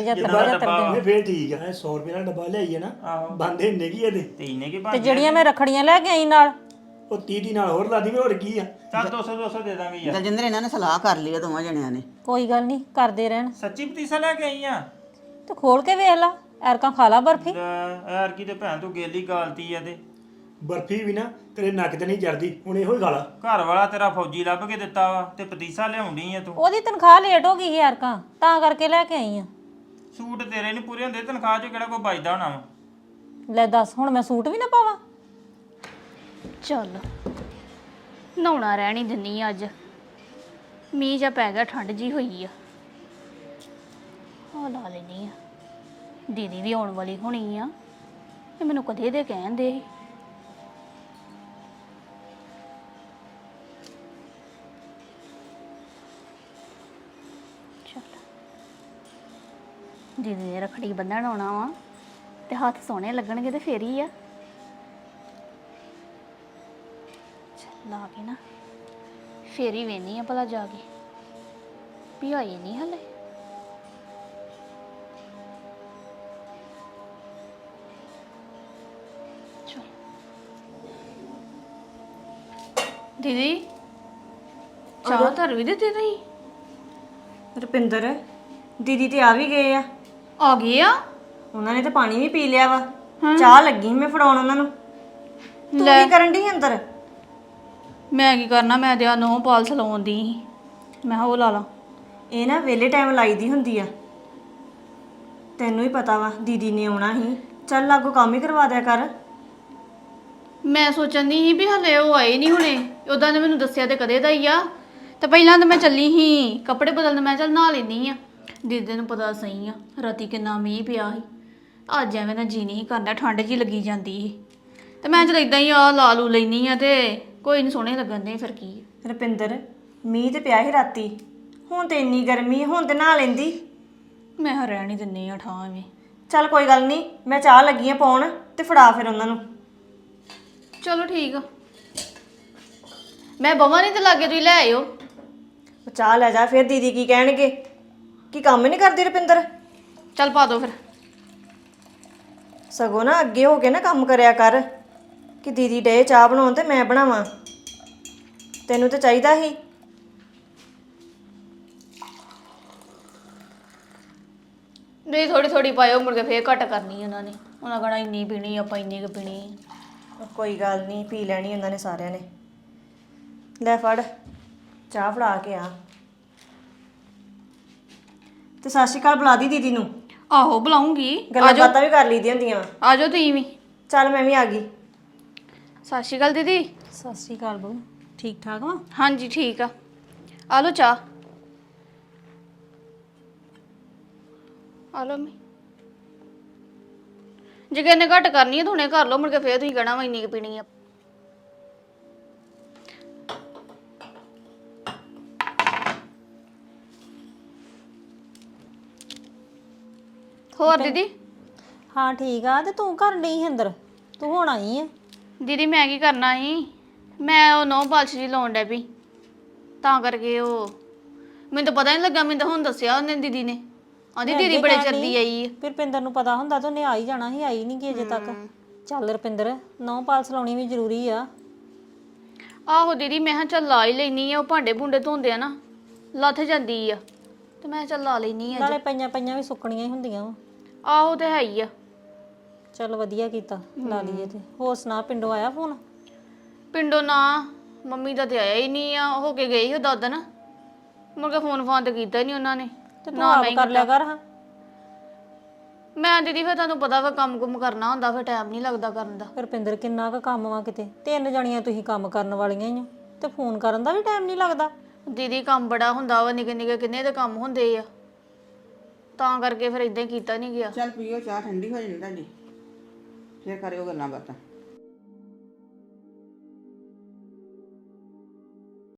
S1: 75
S4: ਫੇਰ ਠੀਕ ਹੈ। 100 ਰੁਪਏ ਦਾ ਡੱਬਾ ਲਿਆਈਏ ਨਾ, ਬੰਦੇ ਹੁੰਦੇ ਕੀ ਇਹਦੇ?
S7: ਤੇ ਇਹਨੇ ਕੀ
S1: ਤੇ ਜਿਹੜੀਆਂ ਮੈਂ ਰੱਖੜੀਆਂ ਲੈ ਕੇ ਆਈ ਨਾਲ,
S4: ਉਹ 30 ਨਾਲ ਹੋਰ ਲਾ ਦੀ, ਹੋਰ ਕੀ ਆ।
S7: ਚੱਲ 200 ਦੇ ਦਾਂਗੇ ਯਾਰ।
S3: ਦਲਜਿੰਦਰ ਇਹਨਾਂ ਨੇ ਸਲਾਹ ਕਰ ਲਈ ਆ ਦੋਵਾਂ ਜਣਿਆਂ ਨੇ।
S1: ਕੋਈ ਗੱਲ ਨਹੀਂ, ਕਰਦੇ ਰਹਿਣ।
S7: ਸੱਚੀ ਪਤੀਸਾ ਲੈ ਕੇ ਆਈ ਆ?
S1: ਤੇ ਖੋਲ ਕੇ ਵੇਖ ਲਾ, ਐਰਕਾ ਖਾ ਲਾ ਬਰਫੀ।
S7: ਯਾਰ ਕੀ ਤੇ ਭੈਣ ਤੂੰ ਗੇਲੀ ਗਾਲਤੀ ਆ। ਤੇ
S4: ਬਰਫੀ ਵੀ ਨਾ ਤੇਰੇ ਨੱਕ ਤੇ ਨਹੀਂ ਚੜਦੀ, ਹੁਣ ਇਹੋ ਹੀ ਖਾ ਲਾ।
S7: ਘਰ ਵਾਲਾ ਤੇਰਾ ਫੌਜੀ ਲੱਭ ਕੇ ਦਿੱਤਾ ਵਾ, ਤੇ ਪਤੀਸਾ ਲਿਆਉਣੀ ਆ ਤੂੰ।
S1: ਉਹਦੀ ਤਨਖਾਹ ਲੇਟ ਹੋ ਗਈ ਸੀ ਐਰਕਾ, ਤਾਂ ਕਰਕੇ ਲੈ ਕੇ ਆਈ ਆ।
S7: ਸੂਟ ਤੇਰੇ ਨਹੀਂ ਪੂਰੇ ਹੁੰਦੇ, ਤਨਖਾਹ ਚੋਂ ਕਿਹੜਾ ਕੋਈ ਬਚਦਾ ਹੋਣਾ ਵਾ।
S1: ਲੈ ਦੱਸ, ਹੁਣ ਮੈਂ ਸੂਟ ਵੀ ਨਾ ਪਾਵਾਂ?
S2: ਚੱਲ ਨਹਾਉਣਾ ਰਹਿਣ ਹੀ ਦਿੰਨੀ ਆ, ਅੱਜ ਮੀਂਹ ਜਾਂ ਪੈ ਗਿਆ, ਠੰਡ ਜੀ ਹੋਈ ਆ। ਆ ਲਾ ਲੈਣੀ ਆ, ਦੀਦੀ ਵੀ ਆਉਣ ਵਾਲੀ ਹੋਣੀ ਆ, ਇਹ ਮੈਨੂੰ ਕਦੇ ਦੇ ਕਹਿੰਦੇ ਸੀ। ਦੀਦੀ ਨੇ ਰੱਖੜੀ ਬੰਨਣ ਆਉਣਾ ਵਾ, ਤੇ ਹੱਥ ਸੋਹਣੇ ਲੱਗਣਗੇ ਤੇ ਫੇਰ ਹੀ ਆ। ਲਾ ਕੇ ਨਾ ਫੇਰ ਹੀ ਵੇਨੀ ਆ ਭਲਾ ਜਾ ਕੇ ਵੀ ਆਈ ਨਹੀਂ ਹਲੇ। ਦੀਦੀ ਚਾਹ ਧਰ ਵੀ ਦਿੱਤੀ ਤੁਸੀਂ?
S6: ਰੁਪਿੰਦਰ ਦੀਦੀ ਤੇ ਆ ਵੀ ਗਏ ਆ।
S2: ਆ ਗਏ ਆ?
S6: ਉਹਨਾਂ ਨੇ ਤਾਂ ਪਾਣੀ ਵੀ ਪੀ ਲਿਆ ਵਾ, ਚਾਹ ਲੱਗੀ ਮੈਂ ਫੜਾਉਣ ਉਹਨਾਂ ਨੂੰ। ਤੂੰ ਕੀ ਕਰਨ ਦੀ ਅੰਦਰ?
S2: ਮੈਂ ਕੀ ਕਰਨਾ, ਮੈਂ ਤੇ ਆ ਨੋ ਪਾਲਸ ਲਾਉਂਦੀ ਸੀ, ਮੈਂ ਕਿਹਾ ਉਹ ਲਾ ਲਾ।
S6: ਇਹ ਨਾ ਵੇਲੇ ਟਾਈਮ ਲਾਈਦੀ ਹੁੰਦੀ ਆ, ਤੈਨੂੰ ਹੀ ਪਤਾ ਵਾ ਦੀਦੀ ਨੇ ਆਉਣਾ ਸੀ, ਚੱਲ ਲਾਗੋ ਕੰਮ ਹੀ ਕਰਵਾ ਦਿਆ ਕਰ।
S2: ਮੈਂ ਸੋਚਣ ਦੀ ਸੀ ਵੀ ਹਲੇ ਉਹ ਆਏ ਨਹੀਂ ਹੁਣੇ, ਉਦਾਂ ਨੇ ਮੈਨੂੰ ਦੱਸਿਆ ਤੇ ਕਦੇ ਦਾ ਹੀ ਆ। ਤੇ ਪਹਿਲਾਂ ਤਾਂ ਮੈਂ ਚੱਲੀ ਸੀ ਕੱਪੜੇ ਬਦਲਣ, ਮੈਂ ਚੱਲ ਨਹਾ ਲੈਂਦੀ ਆ। ਦੀਦੀ ਨੂੰ ਪਤਾ ਸਹੀ ਆ ਰਾਤੀ ਕਿੰਨਾ ਮੀਂਹ ਪਿਆ ਸੀ, ਅੱਜ ਐਵੇਂ ਨਾ ਜੀ ਨਹੀਂ ਕਰਦਾ, ਠੰਡ ਜੀ ਲੱਗੀ ਜਾਂਦੀ ਸੀ, ਤੇ ਮੈਂ ਚਲ ਇਦਾਂ ਹੀ ਆ ਲਾ ਲੂ ਲੈਣੀ ਆ, ਤੇ ਕੋਈ ਨਹੀਂ ਸੋਹਣੇ ਲੱਗਣ ਦੇ ਫਿਰ ਕੀ।
S6: ਰੁਪਿੰਦਰ ਮੀਂਹ ਤੇ ਪਿਆ ਸੀ ਰਾਤੀ, ਹੁਣ ਤੇ ਇੰਨੀ ਗਰਮੀ, ਹੁਣ ਤੇ ਨਹਾ ਲੈਂਦੀ।
S2: ਮੈਂ ਰਹਿਣ ਹੀ ਦਿੰਨੀ ਆ ਠਾਂ ਐਵੇਂ।
S6: ਚੱਲ ਕੋਈ ਗੱਲ ਨਹੀਂ, ਮੈਂ ਚਾਹ ਲੱਗੀ ਆ ਪਾਉਣ, ਤੇ ਫੜਾ ਫਿਰ ਉਹਨਾਂ ਨੂੰ।
S2: ਚਲੋ ਠੀਕ ਆ, ਮੈਂ ਬਵਾਂ ਨਹੀਂ ਤੇ ਲਾਗੇ ਤੁਸੀਂ ਲੈ ਆਇਓ।
S6: ਉਹ ਚਾਹ ਲੈ ਜਾ, ਫਿਰ ਦੀਦੀ ਕੀ ਕਹਿਣਗੇ? ਕੀ ਕੰਮ ਨਹੀਂ ਕਰਦੀ ਰੁਪਿੰਦਰ?
S2: ਚੱਲ ਪਾ ਦੋ ਫਿਰ।
S6: ਸਗੋਂ ਨਾ ਅੱਗੇ ਹੋ ਕੇ ਨਾ ਕੰਮ ਕਰਿਆ ਕਰ, ਕਿ ਦੀਦੀ ਡੇ ਚਾਹ ਬਣਾਉਣ ਤੇ ਮੈਂ ਬਣਾਵਾਂ, ਤੈਨੂੰ ਤਾਂ ਚਾਹੀਦਾ ਸੀ।
S2: ਨਹੀਂ ਥੋੜੀ ਥੋੜੀ ਪਾਇਓ, ਮੁੜ ਕੇ ਫੇਰ ਘੱਟ ਕਰਨੀ ਉਹਨਾਂ ਨੇ, ਉਹਨਾਂ ਕਹਣਾ ਇੰਨੀ ਪੀਣੀ ਆਪਾਂ ਇੰਨੀ ਕੁ ਪੀਣੀ।
S6: ਕੋਈ ਗੱਲ ਨਹੀਂ, ਪੀ ਲੈਣੀ ਉਹਨਾਂ ਨੇ ਸਾਰਿਆਂ ਨੇ। ਲੈ ਫੜ ਚਾਹ ਫੜਾ ਕੇ ਆ। ਤੇ ਸਤਿ ਸ਼੍ਰੀ ਅਕਾਲ ਬੁਲਾ ਦੀ ਦੀਦੀ ਨੂੰ।
S2: ਆਹੋ ਬੁਲਾਉਂਗੀ।
S6: ਗੱਲਾਂ ਬਾਤਾਂ ਵੀ ਕਰ ਲਈਦੀਆਂ ਹੁੰਦੀਆਂ ਵਾ।
S2: ਆ ਜਾਓ ਤੁਸੀਂ ਵੀ।
S6: ਚੱਲ ਮੈਂ ਵੀ ਆ ਗਈ।
S2: ਸਤਿ ਸ਼੍ਰੀ ਅਕਾਲ ਦੀਦੀ।
S1: ਸਤਿ ਸ਼੍ਰੀ ਅਕਾਲ ਬਹੂ, ਠੀਕ ਠਾਕ ਵਾ?
S2: ਹਾਂਜੀ ਠੀਕ ਆ। ਆ ਲਓ ਚਾਹ। ਆ ਲਓ ਮੈਂ ਜੇ ਕਿਨੇ ਘੱਟ ਕਰਨੀ ਹੈ ਹੁਣੇ ਕਰ ਲਓ, ਮੁੜ ਕੇ ਫੇਰ ਤੁਸੀਂ ਕਹਿਣਾ ਵਾ ਇੰਨੀ ਕੁ ਪੀਣੀ ਆ। ਹੋਰ ਦੀਦੀ?
S1: ਹਾਂ ਠੀਕ ਆ। ਤੇ ਤੂੰ ਘਰ ਨਹੀਂ ਸੀ ਅੰਦਰ, ਤੂੰ ਹੁਣ ਆਈ ਆ?
S2: ਦੀਦੀ ਮੈਂ ਕੀ ਕਰਨਾ ਸੀ, ਮੈਂ ਉਹ ਨੌ ਪਾਲਸ਼ ਜੀ ਲਾਉਣ ਡੈ ਪਈ, ਤਾਂ ਕਰਕੇ ਉਹ ਮੈਨੂੰ ਤਾਂ ਪਤਾ ਨਹੀਂ ਲੱਗਾ। ਮੈਨੂੰ ਤਾਂ ਹੁਣ ਦੱਸਿਆ ਉਹਨੇ ਦੀਦੀ ਨੇ, ਆਂਦੀ ਦੀਦੀ ਬੜੇ ਚਿਰਦੀ ਆਈ ਆ।
S1: ਫਿਰ ਰੁਪਿੰਦਰ ਨੂੰ ਪਤਾ ਹੁੰਦਾ ਤਾਂ ਉਹਨੇ ਆ ਹੀ ਜਾਣਾ ਸੀ, ਆਈ ਨਹੀਂ ਕਿ ਅਜੇ ਤੱਕ। ਚੱਲ ਰੁਪਿੰਦਰ, ਨੌ ਪਾਲਸ ਲਾਉਣੀ ਵੀ ਜ਼ਰੂਰੀ ਆ।
S2: ਆਹੋ ਦੀਦੀ ਮੈਂ ਕਿਹਾ ਚੱਲ ਲਾ ਹੀ ਲੈਣੀ ਆ, ਉਹ ਭਾਂਡੇ ਭੁੰਡੇ ਧੋਂਦੇ ਆ ਨਾ, ਲੱਥ ਜਾਂਦੀ ਆ, ਤੇ ਮੈਂ ਕਿਹਾ ਚੱਲ ਲਾ ਲੈਣੀ ਆ।
S1: ਨਾਲੇ ਪਈਆਂ ਪਈਆਂ ਵੀ ਸੁੱਕਣੀਆਂ ਹੀ ਹੁੰਦੀਆਂ ਵਾ।
S2: ਆਹੋ ਤੇ ਹੈ ਹੀ ਆ।
S1: ਚੱਲ ਵਧੀਆ ਕੀਤਾ ਲਾ ਲਈਏ। ਤੇ ਹੋਰ ਸੁਣਾ, ਪਿੰਡੋਂ ਆਇਆ ਫੋਨ?
S2: ਪਿੰਡੋਂ ਨਾ, ਮੰਮੀ ਦਾ ਤੇ ਆਇਆ ਹੀ ਨਹੀਂ ਆ, ਹੋ ਕੇ ਗਈ ਉਹ ਦਾਦਨ। ਮੁੜ ਕੇ ਫੋਨ ਫਾਨ ਤੇ ਕੀਤਾ ਹੀ ਨਹੀਂ ਉਹਨਾਂ ਨੇ।
S1: ਤੇ ਤੂੰ ਆਪ ਕਰ ਲਿਆ ਕਰ। ਹਾਂ
S2: ਮੈਂ ਦੀਦੀ ਫਿਰ ਤੁਹਾਨੂੰ ਪਤਾ ਵਾ ਕੰਮ ਕੁਮ ਕਰਨਾ ਹੁੰਦਾ, ਫਿਰ ਟਾਈਮ ਨਹੀਂ ਲੱਗਦਾ ਕਰਨ ਦਾ।
S1: ਰੁਪਿੰਦਰ ਕਿੰਨਾ ਕੁ ਕੰਮ ਵਾ ਕਿਤੇ, 3 ਜਣੀਆਂ ਤੁਸੀਂ ਕੰਮ ਕਰਨ ਵਾਲੀਆਂ ਹੀ ਹੋ, ਤੇ ਫੋਨ ਕਰਨ ਦਾ ਵੀ ਟਾਈਮ ਨਹੀਂ ਲੱਗਦਾ।
S2: ਦੀਦੀ ਕੰਮ ਬੜਾ ਹੁੰਦਾ ਵਾ, ਨਿੱਕੇ ਨਿੱਕੇ ਕਿੰਨੇ ਦੇ ਕੰਮ ਹੁੰਦੇ ਆ, ਤਾਂ ਕਰਕੇ ਫਿਰ ਇਦਾਂ ਹੀ ਕੀਤਾ ਨਹੀਂ ਗਿਆ।
S3: ਚੱਲ ਪੀਓ ਚਾਹ, ਠੰਡੀ ਹੋ ਜਾਣੀ ਤੁਹਾਡੀ, ਫਿਰ ਕਰਿਓ ਗੱਲਾਂ ਬਾਤਾਂ।